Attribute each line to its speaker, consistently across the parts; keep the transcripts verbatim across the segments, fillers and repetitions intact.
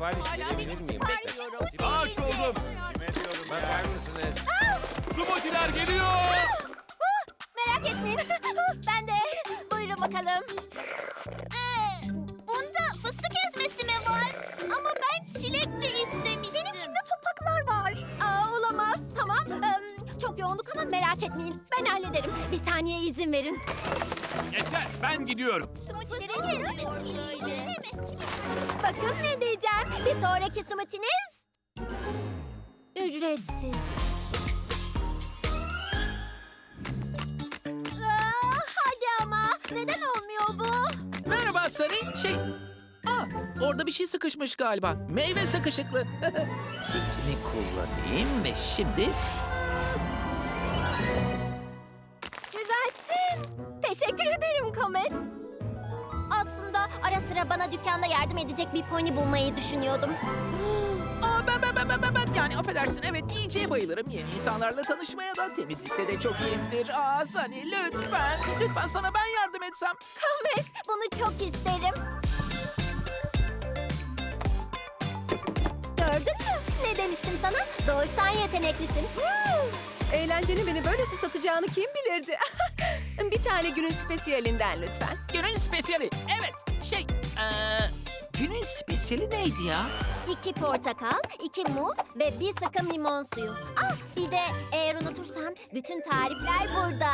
Speaker 1: Sipariş verebilir miyim?
Speaker 2: Aç oldum.
Speaker 1: Kime diyorum bakar mısınız?
Speaker 2: Smoothie'ler geliyor.
Speaker 3: Merak etmeyin. Ben de. Buyurun bakalım. Ee, bunda fıstık ezmesi mi var? Ama ben çilekli istemiştim. Benimkinde topaklar var. Aa, olamaz. Tamam. Ee, çok yoğunluk ama merak etmeyin. Ben hallederim. Bir saniye izin verin.
Speaker 2: Yeter, ben gidiyorum.
Speaker 3: Bakın ne diyeceğim. Bir sonraki smoothie'niz ücretsiz. Aa, hadi ama. Neden olmuyor bu?
Speaker 4: Merhaba Sunny. Şey... Aa, orada bir şey sıkışmış galiba. Meyve sıkışıklı. Silkini kullanayım ve şimdi...
Speaker 3: Düzelttin. Teşekkür ederim Comet. Aslında ara sıra bana dükkanda yardım edecek bir pony bulmayı düşünüyordum.
Speaker 4: Aa, ben, ben, ben, ben, ben, ben, yani affedersin, evet yiyeceğe bayılırım. Yeni insanlarla tanışmaya da, temizlikte de çok iyiyimdir. Aa Sunny, lütfen, lütfen sana ben yardım etsem.
Speaker 3: Comet, bunu çok isterim. Gördün mü? Ne demiştim sana? Doğuştan yeteneklisin.
Speaker 5: Eğlencenin beni böylesi satacağını kim bilirdi? Bir tane günün spesiyalinden lütfen.
Speaker 4: Günün spesiyali, evet. Şey, eee... Günün spesiyali neydi ya?
Speaker 3: İki portakal, iki muz ve bir sıkım limon suyu. Ah, bir de eğer unutursan bütün tarifler burada.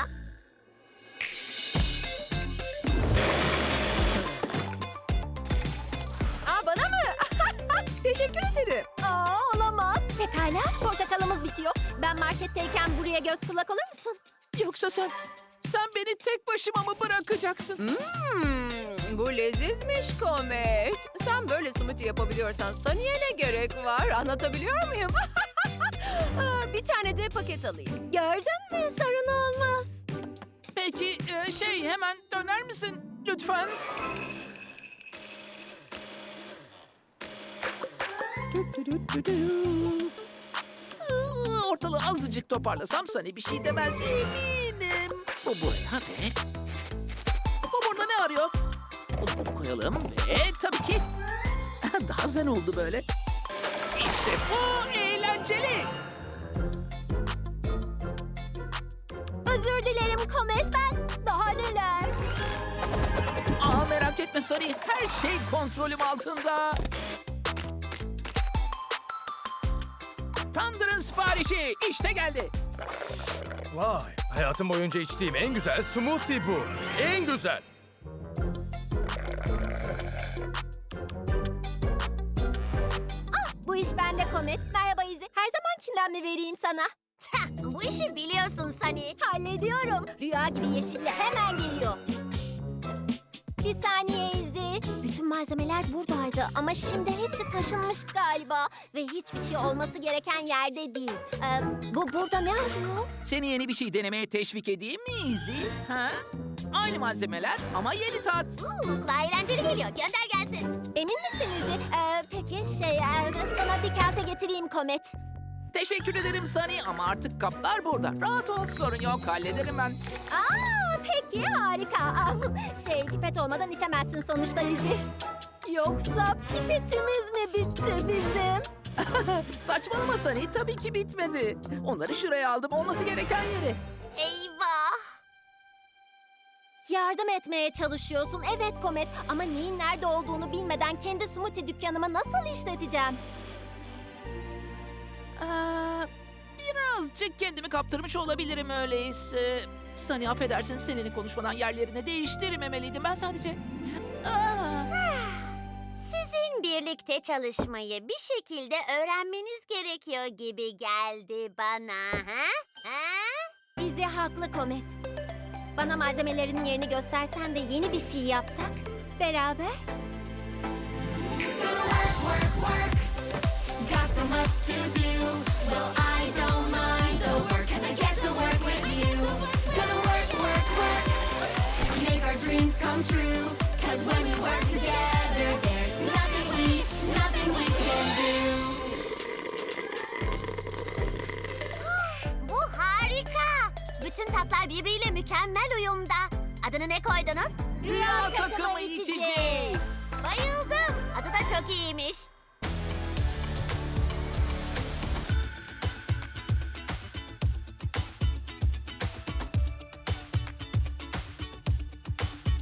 Speaker 5: Aa, bana mı? Teşekkür ederim.
Speaker 3: Aa, olamaz. Pekala, portakalımız bitiyor. Ben marketteyken buraya göz kulak olur musun?
Speaker 4: Yoksa sen, sen beni tek başıma mı bırakacaksın?
Speaker 5: Hmm, bu lezizmiş Comet. Sen böyle smoothie yapabiliyorsan Sunny'e ne gerek var? Anlatabiliyor muyum? Aa, bir tane de paket alayım.
Speaker 3: Gördün mü? Sorun olmaz.
Speaker 4: Peki, e, şey hemen döner misin lütfen? Iı, Ortalığı azıcık toparlasam Sunny bir şey demez eminim. Bu buraya ve... Bu burada ne arıyor? Bunu bunu koyalım ve tabii ki... Daha zen oldu böyle. İşte bu eğlenceli.
Speaker 3: Özür dilerim Comet, ben. Daha neler?
Speaker 4: Aa merak etme Sunny, her şey kontrolüm altında. Thunder'ın siparişi işte geldi.
Speaker 2: Vay, hayatım boyunca içtiğim en güzel smoothie bu. En güzel.
Speaker 3: Bu iş bende Comet. Merhaba Izzy. Her zamankinden mi vereyim sana? Bu işi biliyorsun Sunny. Hallediyorum. Rüya gibi yeşille hemen geliyor. Bir saniye Izzy. Bütün malzemeler buradaydı ama şimdi hepsi taşınmış galiba. Ve hiçbir şey olması gereken yerde değil. Ee, bu burada ne arıyor?
Speaker 4: Seni yeni bir şey denemeye teşvik edeyim mi Izzy? Ha? Aynı malzemeler ama yeni tat.
Speaker 3: Hmm, kulağa eğlenceli geliyor. Gönder gelsin. Emin misin Izzy? Ee, peki şey, e, sana bir kase getireyim Comet.
Speaker 4: Teşekkür ederim Sunny ama artık kaplar burada. Rahat ol, sorun yok, hallederim ben.
Speaker 3: Aa, peki harika. Aa, Şey, pipet olmadan içemezsin sonuçta Izzy. Yoksa pipetimiz mi bitti bizim?
Speaker 4: Saçmalama Sunny, tabii ki bitmedi. Onları şuraya aldım, olması gereken yere.
Speaker 3: Eyvah! Yardım etmeye çalışıyorsun. Evet Comet ama neyin nerede olduğunu bilmeden kendi smoothie dükkanımı nasıl işleteceğim?
Speaker 4: Aa, birazcık kendimi kaptırmış olabilirim öyleyse. Sunny affedersin, seninle konuşmadan yerlerini değiştirmemeliydim. Ben sadece... Aa.
Speaker 3: Sizin birlikte çalışmayı bir şekilde öğrenmeniz gerekiyor gibi geldi bana. Ha? Ha? Izzy haklı Comet. Bana malzemelerin yerini göstersen de yeni bir şey yapsak beraber.
Speaker 6: Got so much to do. Well, I don't mind the work, 'cause I get to work with you. Gonna work, work, work to make our dreams come true. 'Cause when we work together, there's nothing we, nothing we can do.
Speaker 3: Bu harika. Bütün tatlar birbiriyle mükemmel uyumda. Adını ne koydunuz?
Speaker 4: Rüya takımı içeceği.
Speaker 3: Bayıldım. Adı da çok iyiymiş.